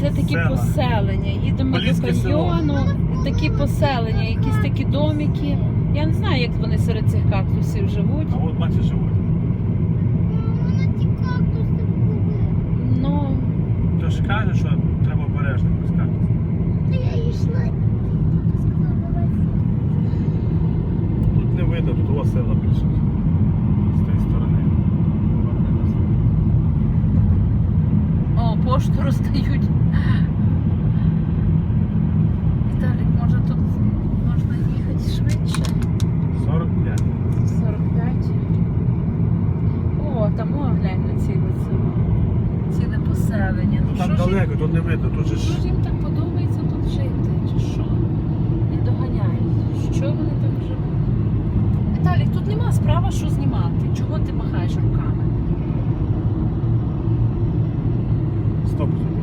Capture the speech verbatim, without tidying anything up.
Це такі Села. поселення. Їдемо Поліське до село. каньйону, такі поселення, якісь такі домики. Я не знаю, як вони серед цих кактусів живуть. А от бачиш, живуть. Вона ті кактуси були. Ну, То ж каже, що треба обережно пускати. Та я йшла. Сказала, давай. Тут не видно, тут у вас села більше. З тієї сторони. о, пошту роздають. Віталік, може тут можна їхати швидше? сорок п'ять. сорок п'ять. О, там о, глянь на ціле село. Ціле поселення. Ну, Там що ж їм- далеко, тут не видно, тут же що ж. ж їм так подобається тут жити? Чи що? Не доганяють. Що вони так живуть? Віталік, тут нема справа, що знімати. Чого ти махаєш руками? Стоп.